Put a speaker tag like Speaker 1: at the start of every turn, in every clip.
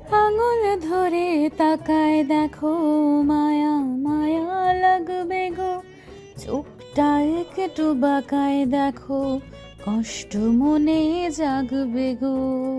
Speaker 1: আঙুল ধরে তাকায় দেখো, মায়া মায়া লাগবে গো, চোখটা একটু বাঁকায় দেখো, কষ্ট মনে জাগবে গো।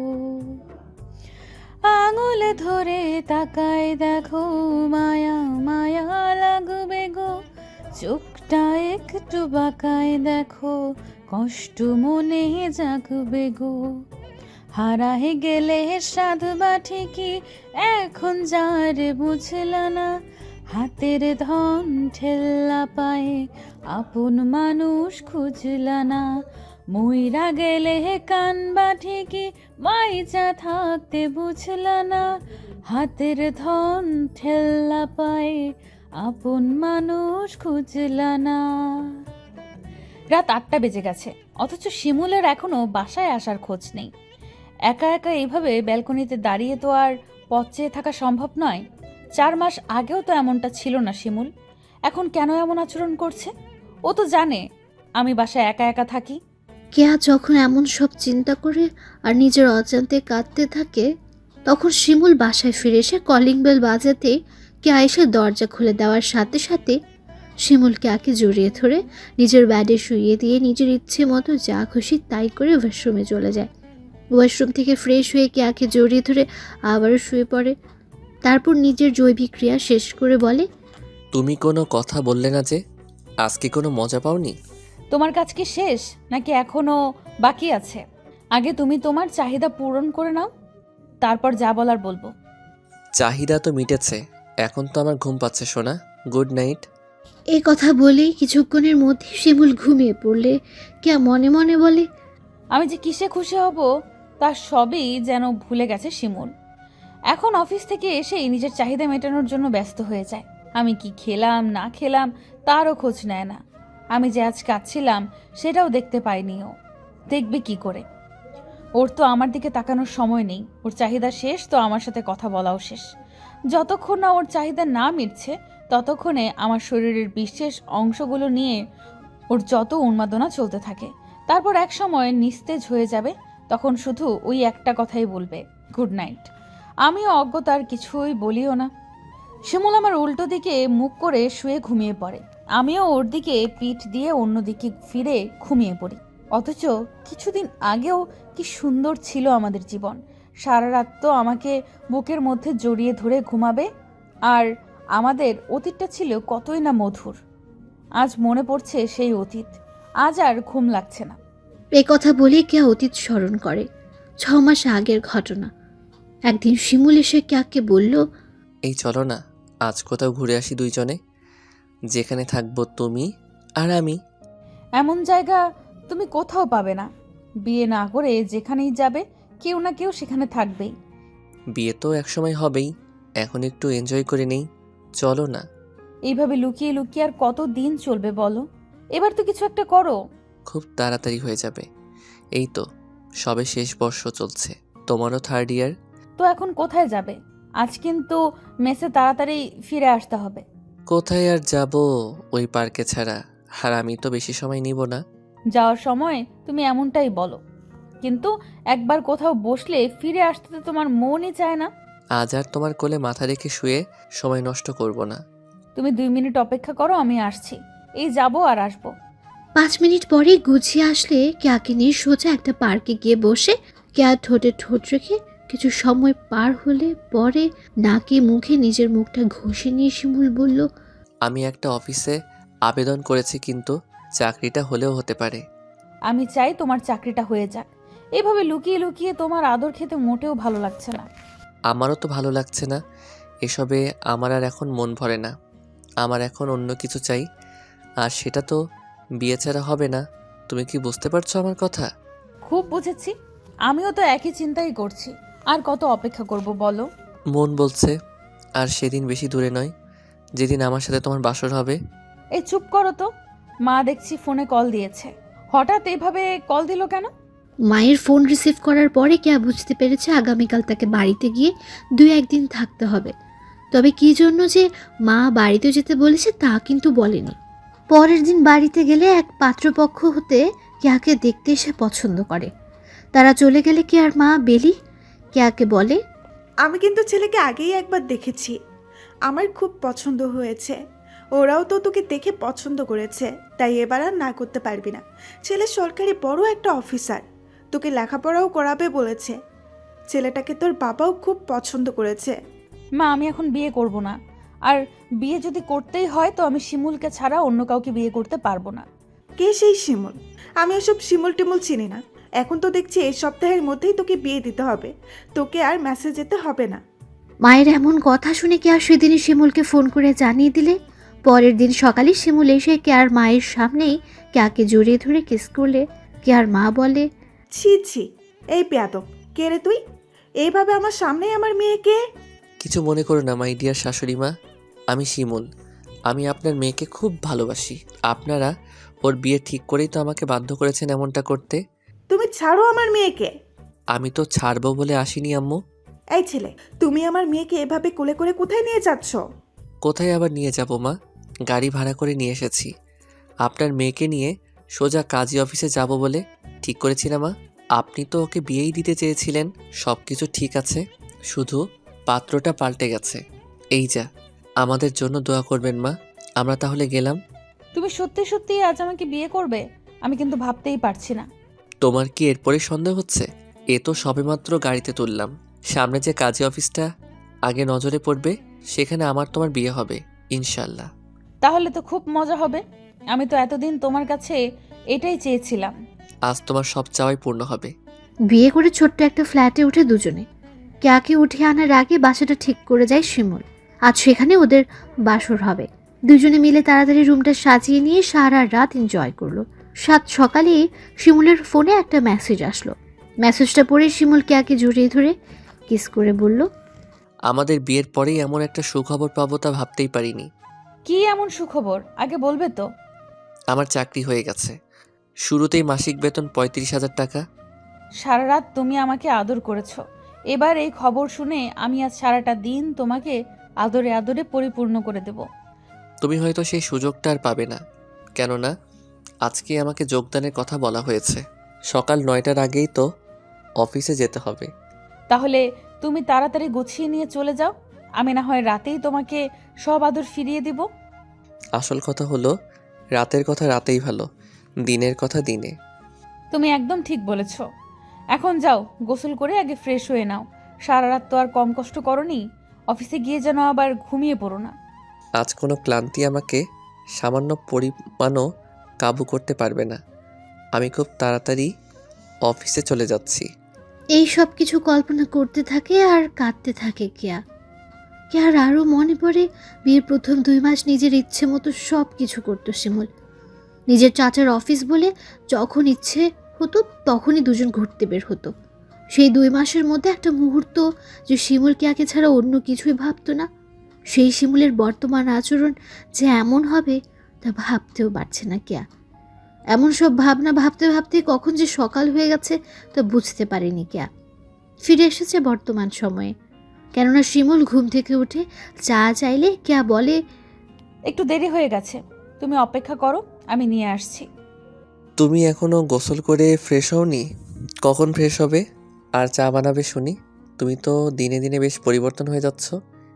Speaker 1: আঙুল ধরে তাকায় দেখো, মায়া মায়া লাগবে গো, চোখটা একটু বাঁকায় দেখো, কষ্ট মনে জাগবে গো। হারায় গেলে সাধবা ঠিকই, এখন যার বুঝলা না, হাতের ধন ঠেল্লা পায়ে আপন মানুষ খুঁজলা না। মইরা গেলে কানবা ঠিকই, মাইজা থাকতে বুঝলা না, হাতের ধন ঠেল্লা পায়ে আপন মানুষ খুঁজলা না। রাত 8টা বেজে গেছে, অথচ শিমুলের এখনো বাসায় আসার খোঁজ নেই। একা একা এইভাবে ব্যালকনিতে দাঁড়িয়ে তো আর পথ চেয়ে থাকা সম্ভব নয়। 4 মাস আগেও তো এমনটা ছিল না শিমুল, এখন কেন এমন আচরণ করছে? ও তো জানে আমি বাসায় একা একা থাকি।
Speaker 2: কেয়া যখন এমন সব চিন্তা করে আর নিজের অজান্তে কাঁদতে থাকে, তখন শিমুল বাসায় ফিরে এসে কলিং বেল বাজাতে কেয়া এসে দরজা খুলে দেওয়ার সাথে সাথে শিমুল কেয়াকে জড়িয়ে ধরে নিজের ব্যাডে শুইয়ে দিয়ে নিজের ইচ্ছে মতো যা খুশি তাই করে ওয়াশরুমে চলে যায়। ওয়াশরুম থেকে ফ্রেশ হয়ে কেয়াকে জড়িয়ে ধরে আবারও শুয়ে পড়ে। তারপর নিজের জৈবিক ক্রিয়া শেষ করে বলে,
Speaker 3: তুমি কোনো কথা বললে না যে, আজকে কোনো মজা পাওনি?
Speaker 1: তোমার কাজ কি শেষ নাকি এখনো বাকি আছে? আগে তুমি তোমার চাহিদা পূরণ করে নাও, তারপর যা বলার বলবো।
Speaker 3: চাহিদা তো মিটেছে, এখন তো আমার ঘুম পাচ্ছে সোনা। Good night.
Speaker 2: এই কথা বলেই কিছুক্ষণের মধ্যে শিমুল ঘুমিয়ে পড়লে কেয়া মনে মনে বলে,
Speaker 1: আমি যে কিসে খুশি হব তার সবই যেন ভুলে গেছে শিমুল। এখন অফিস থেকে এসেই নিজের চাহিদা মেটানোর জন্য ব্যস্ত হয়ে যায়। আমি কি খেলাম না খেলাম তারও খোঁজ নেয় না। আমি যে আজ কাঁদছিলাম সেটাও দেখতে পাইনি ও। দেখবে কি করে? ওর তো আমার দিকে তাকানোর সময় নেই। ওর চাহিদা শেষ তো আমার সাথে কথা বলাও শেষ। যতক্ষণ না ওর চাহিদা না মিটছে ততক্ষণে আমার শরীরের বিশেষ অংশগুলো নিয়ে ওর যত উন্মাদনা চলতে থাকে। তারপর এক সময় নিস্তেজ হয়ে যাবে, তখন শুধু ওই একটা কথাই বলবে, গুড নাইট। আমিও অজ্ঞতার কিছুই বলিও না। শিমুল আমার উল্টো দিকে মুখ করে শুয়ে ঘুমিয়ে পড়ে। আমিও ওর দিকে পিঠ দিয়ে অন্যদিকে ফিরে ঘুমিয়ে পড়ি। অথচ কিছুদিন আগেও কি সুন্দর ছিল আমাদের জীবন। সারা রাত তো আমাকে বুকের মধ্যে জড়িয়ে ধরে ঘুমাবে, আর আমাদের অতীতটা ছিল কতই না মধুর। আজ মনে পড়ছে সেই অতীত, আজ আর ঘুম লাগছে না।
Speaker 2: এই কথা বলে কেয়া অতীত স্মরণ করে 6 মাস আগের ঘটনা। একদিন শিমুল এসে কেয়াকে বলল,
Speaker 3: এই চলো না, আজ কোথাও ঘুরে আসি দুইজনে, যেখানে থাকবো তুমি আর আমি।
Speaker 1: এমন জায়গা তুমি কোথাও পাবে না। বিয়ে না করে যেখানেই যাবে কেউ না কেউ সেখানে থাকবেই।
Speaker 3: বিয়ে তো একসময় হবেই, এখন একটু এনজয় করে নেই, চলো না।
Speaker 1: এইভাবে লুকিয়ে লুকিয়ে আর কত দিন চলবে বলো? এবার তো কিছু একটা করো।
Speaker 3: খুব তাড়াতাড়ি হয়ে যাবে। এই তো সবে শেষ বর্ষ চলছে, তোমারও 3rd ইয়ার।
Speaker 1: তো এখন কোথায় যাবে? আজ কিন্তু মেসে তাড়াতাড়ি ফিরে আসতে হবে।
Speaker 3: কোথায় আর যাব ওই পার্কে ছাড়া? আর আমি তো বেশি সময় নিব না।
Speaker 1: যাওয়ার সময় তুমি এমনটাই বলো, কিন্তু একবার কোথাও বসলে ফিরে আসতে তো তোমার মনই চায় না।
Speaker 3: আজ আর তোমার কোলে মাথা রেখে শুয়ে সময় নষ্ট করব না।
Speaker 1: তুমি 2 মিনিট অপেক্ষা করো, আমি আসছি। এই যাব আর আসবো।
Speaker 2: 5 মিনিট পরেই গুছিয়ে আসলে কেয়াকে নিয়ে সোজা একটা পার্কে গিয়ে বসে কেয়া ঠোঁটে ঠোঁট রেখে কিছু সময় পার হলে পরে নাকে মুখে নিজের মুখটা ঘষে নিয়ে শিমুল বলল,
Speaker 3: আমি একটা অফিসে আবেদন করেছি, কিন্তু চাকরিটা হলেও হতে পারে।
Speaker 1: আমি চাই তোমার চাকরিটা হয়ে যাক। এভাবে লুকিয়ে লুকিয়ে তোমার আদর খেতে মোটেও ভালো লাগছে না।
Speaker 3: আমারও তো ভালো লাগছে না। এসবে আমার আর এখন মন ভরে না। আমার এখন অন্য কিছু চাই, আর সেটা তো বিয়ে ছাড়া হবে না। তুমি কি বুঝতে পারছো আমার কথা?
Speaker 1: খুব বুঝেছি, আমিও তো একই চিন্তাই করছি। আর কত অপেক্ষা করব বলো?
Speaker 3: মন বলছে আর সেদিন বেশি দূরে নয়, যেদিন আমার সাথে তোমার বাসর হবে।
Speaker 1: এই চুপ করো তো। মা দেখছি ফোনে কল দিয়েছে। হঠাৎ এইভাবে কল দিল কেন?
Speaker 2: মায়ের ফোন রিসিভ করার পরে কেয়া বুঝতে পেরেছে আগামীকাল তাকে বাড়িতে গিয়ে 2-1 দিন থাকতে হবে। তবে কী জন্য যে মা বাড়িতে যেতে বলেছে তা কিন্তু বলেনি। পরের দিন বাড়িতে গেলে এক পাত্রপক্ষ হতে কেয়াকে দেখতে এসে পছন্দ করে। তারা চলে গেলে কেয়ার মা বেলি কেয়াকে বলে,
Speaker 4: আমি কিন্তু ছেলেকে আগেই একবার দেখেছি, আমার খুব পছন্দ হয়েছে। ওরাও তো তোকে দেখে পছন্দ করেছে, তাই এবার আর না করতে পারবি না। ছেলে সরকারি বড় একটা অফিসার, তোকে লেখাপড়াও করাবে বলেছে। ছেলেটাকে তোর বাবাও খুব পছন্দ করেছে।
Speaker 1: মা, আমি এখন বিয়ে করব না। আর বিয়ে যদি করতেই হয় তো আমি শিমুলকে ছাড়া অন্য কাউকে বিয়ে করতে পারবো না।
Speaker 4: কে সেই শিমুল? আমি ওসব শিমুল টিমুল চিনি না। এখন তো দেখছি এই সপ্তাহের মধ্যেই তোকে বিয়ে দিতে হবে, তোকে আর মেসেজ যেতে হবে না।
Speaker 2: মায়ের এমন কথা শুনে কেয়া সেদিনই শিমুলকে ফোন করে জানিয়ে দিলে। পরের দিন সকালে শিমুল এসে কেয়ার মায়ের সামনেই কেয়াকে জড়িয়ে ধরে কিস করলে। কেয়ার মা বলে,
Speaker 4: ছি ছি, এই বেয়াদব, কে রে তুই? এইভাবে আমার সামনেই আমার মেয়েকে?
Speaker 3: কিছু মনে করো না মাই ডিয়ার শাশুড়ি মা, আমি শিমুল। আমি আপনার মেয়েকে খুব ভালোবাসি। আপনারা ওর বিয়ে ঠিক করেই তো আমাকে বাধ্য করেছেন এমনটা করতে।
Speaker 4: তুমি ছাড়ো আমার মেয়েকে।
Speaker 3: আমি তো ছাড়বো বলে আসিনি আম্মু।
Speaker 4: এই ছেলে, তুমি আমার মেয়েকে এভাবে কোলে করে কোথায় নিয়ে যাচ্ছ?
Speaker 3: কোথায় আবার নিয়ে যাব মা? গাড়ি ভাড়া করে নিয়ে এসেছি। আপনার মেয়েকে নিয়ে সোজা কাজী অফিসে যাব বলে ঠিক করেছি না মা? আপনি তো ওকে বিয়েই দিতে চেয়েছিলেন। সব কিছু ঠিক আছে, শুধু পাত্রটা পাল্টে গেছে। এই যা, আমাদের জন্য দোয়া করবেন মা। আমরা তাহলে গেলাম।
Speaker 1: তুমি সত্যি সত্যি আজ আমাকে বিয়ে করবে? আমি কিন্তু ভাবতেই পারছি না।
Speaker 3: তোমার কি এরপরে সন্দেহ হচ্ছে? এ তো সবেমাত্র গাড়িতে তুললাম। সামনে যে কাজী অফিসটা আগে নজরে পড়বে, সেখানে আমার তোমার বিয়ে হবে ইনশাল্লাহ।
Speaker 1: তাহলে তো খুব মজা হবে। আমি তো এতদিন তোমার কাছে এটাই চেয়েছিলাম।
Speaker 3: আজ তোমার সব চাওয়াই পূর্ণ হবে।
Speaker 2: বিয়ে করে ছোট্ট একটা ফ্ল্যাটে উঠে দুজনে। কেয়াকে উঠিয়ে আনার আগে বাসাটা ঠিক করে যায় শিমুল। আজ সেখানে ওদের বাসর হবে। দুজনে মিলে তাড়াতাড়ি রুমটা সাজিয়ে নিয়ে সারা রাত এনজয় করলো। সাত সকালে শিমুলের ফোনে একটা মেসেজ আসলো। মেসেজটা পড়ে শিমুল কেয়াকে জড়িয়ে ধরে কিস করে বলল,
Speaker 3: আমাদের বিয়ের পরেই এমন একটা সুখবর পাবো তা ভাবতেই পারিনি।
Speaker 1: কি এমন সুখবর আগে বলবে তো?
Speaker 3: আমার চাকরি হয়ে গেছে। শুরুতেই মাসিক বেতন 35,000 টাকা।
Speaker 1: সারা রাত তুমি আমাকে আদর করেছো। এবার এই খবর শুনে আমি আজ সারাটা দিন তোমাকে আদরে আদরে পরিপূর্ণ করে দেব।
Speaker 3: তুমি হয়তো সেই সুযোগটা আর পাবে না, কেননা আজকে আমাকে যোগদানের কথা বলা হয়েছে। সকাল 9টার আগেই তো অফিসে যেতে হবে।
Speaker 1: তাহলে তুমি তাড়াতাড়ি গুছিয়ে নিয়ে চলে যাও। আমি না হয় রাতেই তোমাকে সব আদর ফিরিয়ে দিব।
Speaker 3: আসল কথা হলো, রাতের কথা রাতেই ভালো, দিনের কথা দিনে।
Speaker 1: তুমি একদম ঠিক বলেছ। এখন যাও, গোসল করে আগে ফ্রেশ হয়ে নাও। সারা রাত তো আর কম কষ্ট করনি। অফিসে গিয়ে যেন আবার ঘুমিয়ে পড়ো না।
Speaker 3: আজ কোনো ক্লান্তি আমাকে সামান্য পরিমাণও কাবু করতে পারবে না। আমি খুব তাড়াতাড়ি অফিসে চলে যাচ্ছি।
Speaker 2: এই সব কিছু কল্পনা করতে থাকে আর কাঁদতে থাকে কেয়া। কেয়ার আরও মনে পড়ে বিয়ের প্রথম 2 মাস নিজের ইচ্ছে মতো সব কিছু করতো শিমুল। নিজের চাচার অফিস বলে যখন ইচ্ছে হতো তখনই দুজন ঘুরতে বের হতো। সেই 2 মাসের মধ্যে একটা মুহূর্ত যে শিমুল কেয়াকে ছাড়া অন্য কিছুই ভাবতো না। সেই শিমুলের বর্তমান আচরণ যে এমন হবে তা ভাবতেও পারছে না কেয়া। এমন সব ভাবনা ভাবতে ভাবতে কখন যে সকাল হয়ে গেছে তা বুঝতে পারেনি কেয়া। ফিরে এসেছে বর্তমান সময়ে। কেননা শিমুল ঘুম থেকে উঠে চা চাইলে কেয়া বলে,
Speaker 1: একটু দেরি হয়ে গেছে, তুমি অপেক্ষা করো, আমি নিয়ে আসছি।
Speaker 3: তুমি এখনো গোসল করে ফ্রেশ হওনি? কখন ফ্রেশ হবে আর চা বানাবে শুনি? তুমি তো দিনে দিনে বেশ পরিবর্তন হয়ে যাচ্ছ।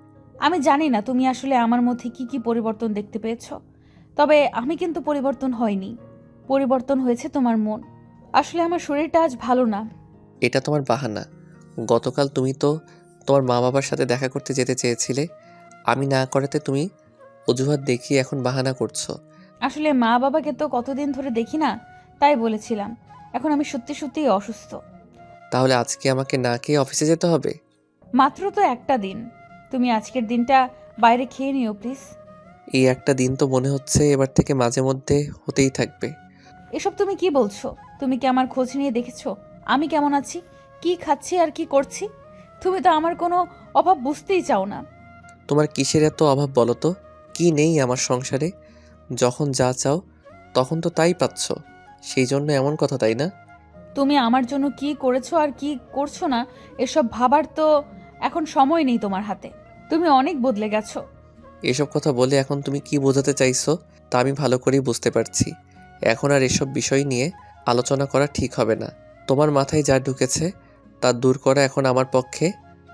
Speaker 1: আমি জানি না তুমি আসলে আমার মধ্যে কি কি পরিবর্তন দেখতে পেয়েছো, তবে আমি কিন্তু পরিবর্তন হয়নি। পরিবর্তন হয়েছে তোমার মন। আসলে আমার শরীরটা আজ ভালো না।
Speaker 3: এটা তোমার বাহানা। গতকাল তুমি তো তোমার মা বাবার সাথে দেখা করতে যেতে চেয়েছিলে, আমি না করাতে তুমি অজুহাত দেখিয়ে এখন বাহানা করছো।
Speaker 1: আসলে মা বাবাকে তো কতদিন ধরে দেখি না, তাই বলেছিলাম। এখন আমি সত্যি সত্যিই অসুস্থ।
Speaker 3: তাহলে আজকে আমাকে না খেয়ে অফিসে যেতে হবে?
Speaker 1: মাত্র তো একটা দিন, তুমি আজকের দিনটা বাইরে খেয়ে নিও প্লিজ।
Speaker 3: এই একটা দিন তো মনে হচ্ছে এবার থেকে মাঝে মধ্যে হতেই থাকবে।
Speaker 1: এসব তুমি কি বলছো? তুমি কি আমার খোঁজ নিয়ে দেখেছো আমি কেমন আছি, কি খাচ্ছি আর কি করছি? তুমি তো আমার কোনো অভাব বুঝতেই চাও না।
Speaker 3: তোমার কিসের এত অভাব বলো তো? কি নেই আমার সংসারে? যখন যা চাও তখন তো তাই পাচ্ছ, সেই জন্য এমন কথা, তাই না?
Speaker 1: তুমি আমার জন্য কি করেছো আর কি করছো না এসব ভাবার তো এখন সময় নেই তোমার হাতে। তুমি অনেক বদলে গেছো।
Speaker 3: এসব কথা বলে এখন তুমি কি বোঝাতে চাইছো তা আমি ভালো করেই বুঝতে পারছি। এখন আর এসব বিষয় নিয়ে আলোচনা করা ঠিক হবে না। তোমার মাথায় যা ঢুকেছে তা দূর করা এখন আমার পক্ষে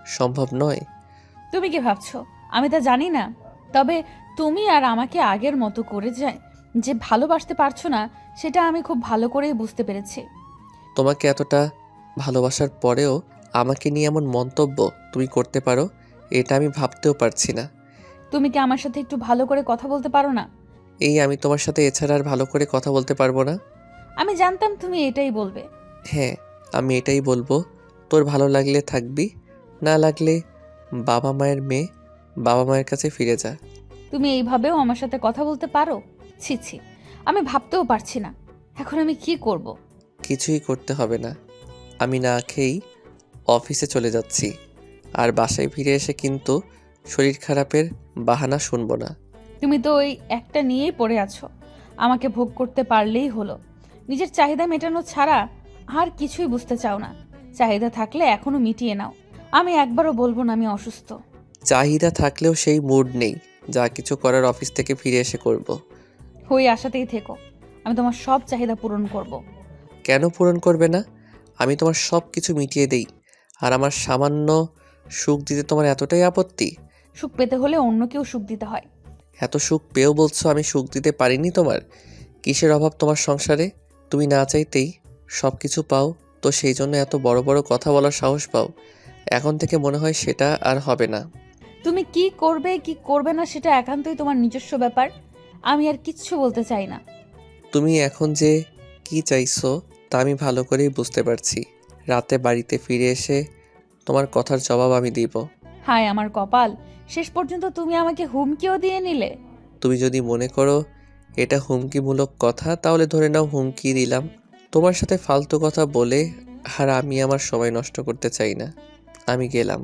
Speaker 3: সম্ভব নয়।
Speaker 1: তুমি কি ভাবছো আমি তা জানি না? তবে তুমি আর আমাকে আগের মতো করে যে ভালোবাসতে পারছো না, সেটা আমি খুব ভালো করেই বুঝতে পেরেছি।
Speaker 3: তোমাকে এতটা ভালোবাসার পরেও আমাকে নিয়ে এমন মন্তব্য তুমি করতে পারো, এটা আমি ভাবতেও পারছি না।
Speaker 1: তুমি কি আমার সাথে একটু ভালো করে কথা বলতে পারো না?
Speaker 3: এই আমি তোমার সাথে এছাড়া আর ভালো করে কথা বলতে পারবো না।
Speaker 1: আমি জানতাম তুমি এটাই বলবে।
Speaker 3: হ্যাঁ, আমি এটাই বলবো। তোর ভালো লাগলে থাকবি, না লাগলে বাবা মায়ের মেয়ে, বাবা মায়ের কাছে ফিরে যা।
Speaker 1: তুমি এইভাবেও আমার সাথে কথা বলতে পারো? ছি ছি, আমি ভাবতেও পারছি না এখন আমি কি করব।
Speaker 3: কিছুই করতে হবে না, আমি না খেয়েই অফিসে চলে যাচ্ছি। আর বাসায় ফিরে এসে কিন্তু শরীর খারাপের বাহানা শুনবো না।
Speaker 1: তুমি তো ওই একটা নিয়েই পড়ে আছো, আমাকে ভোগ করতে পারলেই হলো। নিজের চাহিদা মেটানো ছাড়া আর কিছুই বুঝতে চাও না। চাহিদা থাকলে এখনো মিটিয়ে নাও। আমি একবারও বলবো না আমি অসুস্থ।
Speaker 3: চাহিদা থাকলেও সেই মুড নেই, যা কিছু করার অফিস থেকে ফিরে এসে করব।
Speaker 1: ওই আশাতেই থেকো, আমি তোমার সব চাহিদা পূরণ করব।
Speaker 3: কেন পূরণ করবে না? আমি তোমার সব কিছু মিটিয়ে দেই, আর আমার সামান্য সুখ দিতে তোমার এতটাই আপত্তি?
Speaker 1: সুখ পেতে হলে অন্য কেউ সুখ দিতে হয়।
Speaker 3: এত সুখ পেয়েও বলছো আমি সুখ দিতে পারিনি তোমার? কিসের অভাব তোমার সংসারে? তুমি না চাইতেই সব কিছু পাও, তো সেই জন্য এত বড় বড় কথা বলার সাহস পাও। এখন থেকে মনে হয় সেটা আর হবে না।
Speaker 1: তুমি কি করবে কি করবে না সেটা একান্তই তোমার নিজস্ব ব্যাপার। আমি আর কিচ্ছু বলতে চাই না।
Speaker 3: তুমি এখন যে কি চাইছো তা আমি ভালো করেই বুঝতে পারছি। রাতে বাড়িতে ফিরে এসে তোমার কথার জবাব আমি দিব।
Speaker 1: হায় আমার কপাল, শেষ পর্যন্ত তুমি আমাকে হুমকিও দিয়ে নিলে।
Speaker 3: তুমি যদি মনে করো এটা হুমকিমূলক কথা, তাহলে ধরে নাও হুমকি দিলাম। তোমার সাথে ফালতু কথা বলে আর আমি আমার সময় নষ্ট করতে চাই না। আমি গেলাম।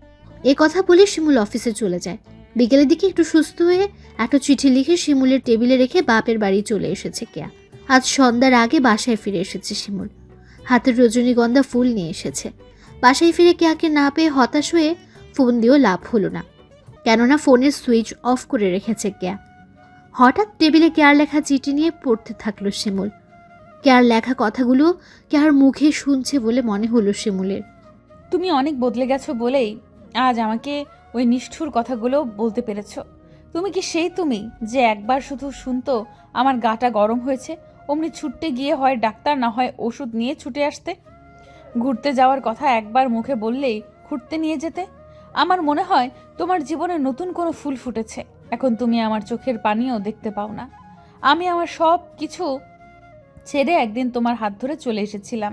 Speaker 2: এ কথা বলে শিমুল অফিসে চলে যায়। বিকেলের দিকে একটু সুস্থ হয়ে একটা চিঠি লিখে শিমুলের টেবিলে রেখে বাপের বাড়ি চলে এসেছে কেয়া। আজ সন্ধ্যার আগে বাসায় ফিরে এসেছে শিমুল। হাতের রজনীগন্ধা ফুল নিয়ে এসেছে। বাসায় ফিরে কেয়াকে না পেয়ে হতাশ হয়ে ফোন দিয়েও লাভ হলো না, কেননা ফোনের সুইচ অফ করে রেখেছে কেয়া। হঠাৎ টেবিলে কেয়ার লেখা চিঠি নিয়ে পড়তে থাকলো শিমুল। কেয়ার লেখা কথাগুলো কেয়ার মুখে শুনছে বলে মনে হলো শিমুলের।
Speaker 1: তুমি অনেক বদলে গেছো বলেই আজ আমাকে ওই নিষ্ঠুর কথাগুলো বলতে পেরেছো। তুমি কি সেই তুমি যে একবার শুধু শুনতো আমার গাটা গরম হয়েছে অমনি ছুটতে গিয়ে হয় ডাক্তার না হয় ওষুধ নিয়ে ছুটে আসতে? ঘুরতে যাওয়ার কথা একবার মুখে বললেই ঘুরতে নিয়ে যেতে? আমার মনে হয় তোমার জীবনে নতুন কোনো ফুল ফুটেছে। এখন তুমি আমার চোখের পানিও দেখতে পাও না। আমি আমার সব কিছু ছেড়ে একদিন তোমার হাত ধরে চলে এসেছিলাম।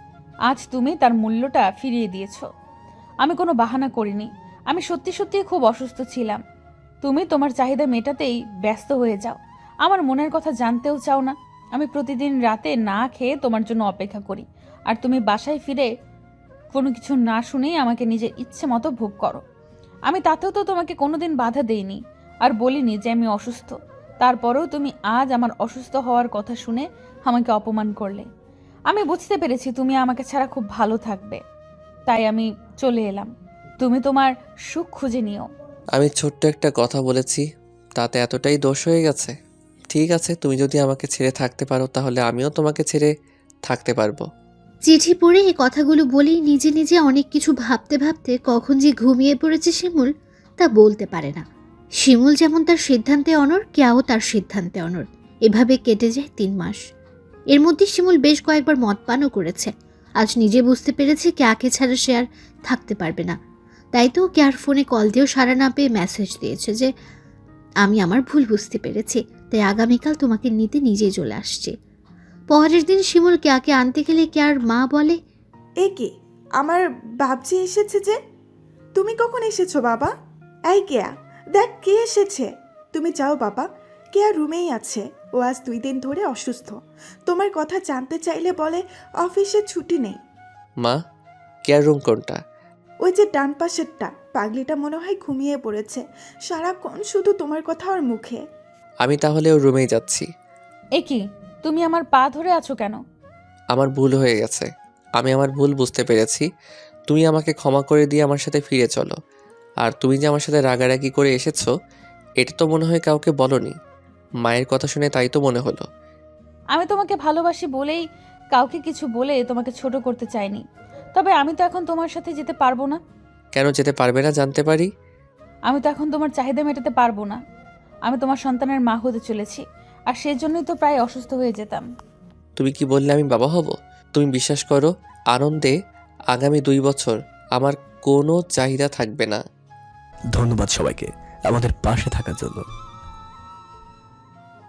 Speaker 1: আজ তুমি তার মূল্যটা ফিরিয়ে দিয়েছো। আমি কোনো বাহানা করিনি, আমি সত্যি সত্যিই খুব অসুস্থ ছিলাম। তুমি তোমার চাহিদা মেটাতেই ব্যস্ত হয়ে যাও, আমার মনের কথা জানতেও চাও না। আমি প্রতিদিন রাতে না খেয়ে তোমার জন্য অপেক্ষা করি, আর তুমি বাসায় ফিরে কোনো কিছু না শুনেই আমাকে নিজের ইচ্ছে মতো ভোগ করো। আমি তাতেও তো তোমাকে কোনোদিন বাধা দেইনি আর বলিনি যে আমি অসুস্থ। তারপরেও তুমি আজ আমার অসুস্থ হওয়ার কথা শুনে আমাকে অপমান করলে। আমি বুঝতে পেরেছি তুমি আমাকে ছাড়া খুব ভালো থাকবে, তাই আমি চলে এলাম। তুমি তোমার সুখ খুঁজে নিও।
Speaker 3: আমি ছোট্ট একটা কথা বলেছি, তাতে এতটাই দোষ হয়ে গেছে? ঠিক আছে, তুমি যদি আমাকে ছেড়ে থাকতে পারো তাহলে আমিও তোমাকে ছেড়ে থাকতে পারবো।
Speaker 2: চিঠি পড়ে এই কথাগুলো বলেই নিজে নিজে অনেক কিছু ভাবতে ভাবতে কখন যে ঘুমিয়ে পড়েছে শিমুল তা বলতে পারে না। শিমুল যেমন তার সিদ্ধান্তে অনড়, কেয়াও তার সিদ্ধান্তে অনড়। এভাবে কেটে যায় 3 মাস। এর মধ্যে শিমুল বেশ কয়েকবার মদপানও করেছে। আজ নিজে বুঝতে পেরেছে কেয়াকে ছাড়া সে আর থাকতে পারবে না। তাই তো কেয়ার ফোনে কল দিয়েও সাড়া না পেয়ে মেসেজ দিয়েছে যে আমি আমার ভুল বুঝতে পেরেছি, তাই আগামীকাল তোমাকে নিতে নিজেই চলে আসছি। পরের দিন শিমুল কেয়াকে আনতে গেলে কেয়ার মা বলে,
Speaker 4: এ কি, আমার বাবজি এসেছে যে? তুমি কখন এসেছো বাবা? এই কেয়া, দেখ কে এসেছে। তুমি যাও বাবা, কেয়া রুমেই আছে। ও আজ 2 দিন ধরে অসুস্থ। তোমার কথা জানতে চাইলে বলে অফিসে ছুটি নেই।
Speaker 3: মা, কেয়ার রুম কোনটা?
Speaker 4: ওই যে ডান পাশেরটা। পাগলিটা মনে হয় ঘুমিয়ে পড়েছে, সারাক্ষণ শুধু তোমার কথা ওর মুখে।
Speaker 3: আমি তাহলে ওর রুমেই যাচ্ছি।
Speaker 1: এ কি, তুমি আমার পা ধরে আছো কেন?
Speaker 3: আমার ভুল হয়ে গেছে, আমি আমার ভুল বুঝতে পেরেছি। তুমি আমাকে ক্ষমা করে দিয়ে আমার সাথে ফিরে চলো। আর তুমি যে আমার সাথে রাগারাগি করে এসেছো, এটা তো মনে হয় কাউকে বলনি। মায়ের কথা শুনে তাই তো মনে হলো।
Speaker 1: আমি তোমাকে ভালোবাসি বলেই কাউকে কিছু বলে তোমাকে ছোট করতে চাইনি। তবে আমি তো এখন তোমার সাথে যেতে পারবো না।
Speaker 3: কেন যেতে পারবে না জানতে পারি?
Speaker 1: আমি তো এখন তোমার চাহিদা মেটাতে পারবো না। আমি তোমার সন্তানের মা হতে চলেছি, আর সেই জন্যই তো প্রায় অসুস্থ হয়ে যেতাম।
Speaker 3: তুমি কি বললে আমি বাবা হব? তুমি বিশ্বাস করো, আনন্দে আগামী 2 বছর আমার কোনো চাহিদা থাকবে না।
Speaker 5: ধন্যবাদ সবাইকে আমাদের পাশে থাকার জন্য।